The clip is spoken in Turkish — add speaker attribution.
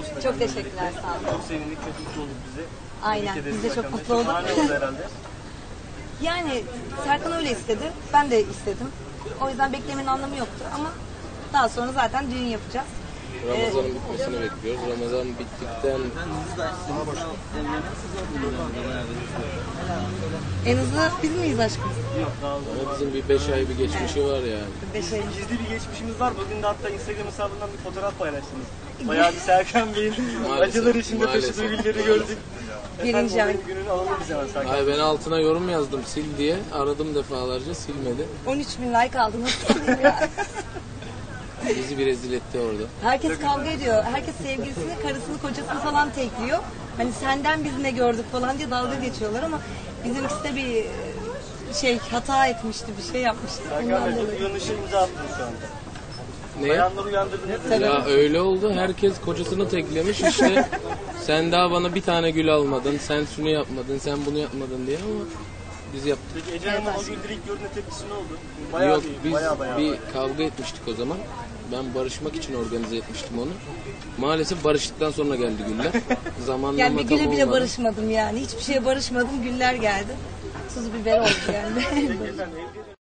Speaker 1: olsun.
Speaker 2: Çok teşekkürler, sağ olun.
Speaker 1: Çok sevindik, çok mutlu olduk bizi.
Speaker 2: Aynen, biz de çok mutlu olduk.
Speaker 1: Şahane oldu herhalde.
Speaker 2: Yani Serkan öyle istedi, ben de istedim. O yüzden beklemenin anlamı yoktu ama daha sonra zaten düğün yapacağız.
Speaker 3: Ramazan'ın bitmesini bekliyoruz. Ramazan bittikten
Speaker 2: En hızlı biz miyiz aşkım?
Speaker 1: Yok, daha oldu.
Speaker 3: ama bizim bir 5 ay bir geçmişi var yani.
Speaker 2: 5 ay.
Speaker 1: Gizli bir geçmişimiz var. Bugün de hatta Instagram hesabından bir fotoğraf paylaştınız. Bayağı bir Serkan Bey'in
Speaker 3: Maalesef,
Speaker 1: acılar içinde
Speaker 3: maalesef.
Speaker 1: taşıdığı günleri gördük.
Speaker 2: Birinci ay.
Speaker 1: Günün alalım biz hemen Serkan.
Speaker 3: Ay ben altına yorum yazdım sil diye. Aradım defalarca silmedi.
Speaker 2: 13.000 like aldınız.
Speaker 3: Bizi bir rezil etti orada.
Speaker 2: Herkes kavga ediyor. Herkes sevgilisini, karısını, kocasını falan tekliyor. Hani senden biz ne gördük falan diye dalga geçiyorlar ama bizimkisi de bir hata etmişti, bir şey yapmıştı.
Speaker 1: Serkan
Speaker 2: Ondan
Speaker 1: Bey, çok
Speaker 2: dolayı.
Speaker 1: uyanışa imza attınız şu anda.
Speaker 3: Ne?
Speaker 1: Bayanları uyandırdınız.
Speaker 2: Tabii.
Speaker 3: Ya öyle oldu. Herkes kocasını teklemiş işte. Sen daha bana bir tane gül almadın. Sen şunu yapmadın. Sen bunu yapmadın diye ama biz yaptık.
Speaker 1: Peki Ece Hanım'ın o gün direkt gördüğünde tepkisi ne oldu? Bayağı
Speaker 3: Yok
Speaker 1: değil,
Speaker 3: biz
Speaker 1: bayağı.
Speaker 3: bir kavga etmiştik o zaman. Ben barışmak için organize etmiştim onu. Maalesef barıştıktan sonra geldi güller. Zamanlama
Speaker 2: Yani bir
Speaker 3: tam
Speaker 2: güle bile
Speaker 3: olmadı.
Speaker 2: barışmadım yani. Hiçbir şeye barışmadım. Güller geldi. Tuz biber oldu yani.
Speaker 1: Peki efendim, evde